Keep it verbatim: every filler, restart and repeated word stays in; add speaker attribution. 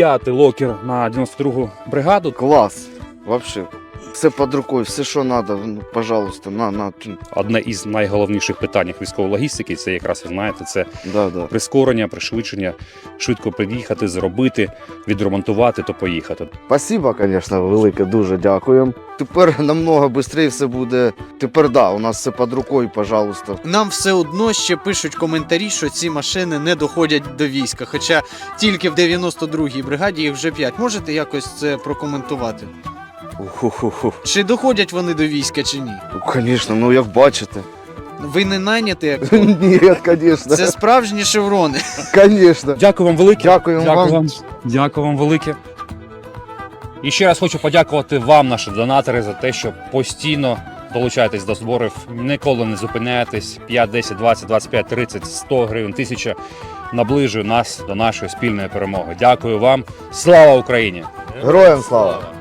Speaker 1: п'ятий локер на дев'яносто другу бригаду.
Speaker 2: Клас, вообще. Все під рукою, все, що треба, ну, пожалуйста, на, на.
Speaker 1: Одне із найголовніших питань військової логістики, це якраз, ви знаєте, це
Speaker 2: Да, да.
Speaker 1: прискорення, пришвидшення, швидко приїхати, зробити, відремонтувати, то поїхати.
Speaker 2: Спасибо, звісно, велике, дуже дякуємо. Тепер намного швидше все буде. Тепер, да, у нас все під рукою, пожалуйста.
Speaker 3: Нам все одно ще пишуть коментарі, що ці машини не доходять до війська. Хоча тільки в дев'яносто другій бригаді їх вже п'ять. Можете якось це прокоментувати?
Speaker 2: Уху-ху-ху.
Speaker 3: Чи доходять вони до війська, чи ні?
Speaker 2: Ну, звісно, ну як бачите.
Speaker 3: Ви не найняті, як
Speaker 2: Ні, звісно.
Speaker 3: це справжні шеврони.
Speaker 2: Звісно.
Speaker 1: Дякую вам велике.
Speaker 2: Дякуємо
Speaker 1: Дякую
Speaker 2: вам.
Speaker 1: вам. Дякую вам велике. І ще раз хочу подякувати вам, наші донатори, за те, що постійно долучаєтесь до зборів, ніколи не зупиняєтесь. п'ять, десять, двадцять, двадцять п'ять, тридцять, сто гривень, тисяча наближує нас до нашої спільної перемоги. Дякую вам. Слава Україні!
Speaker 2: Героям слава!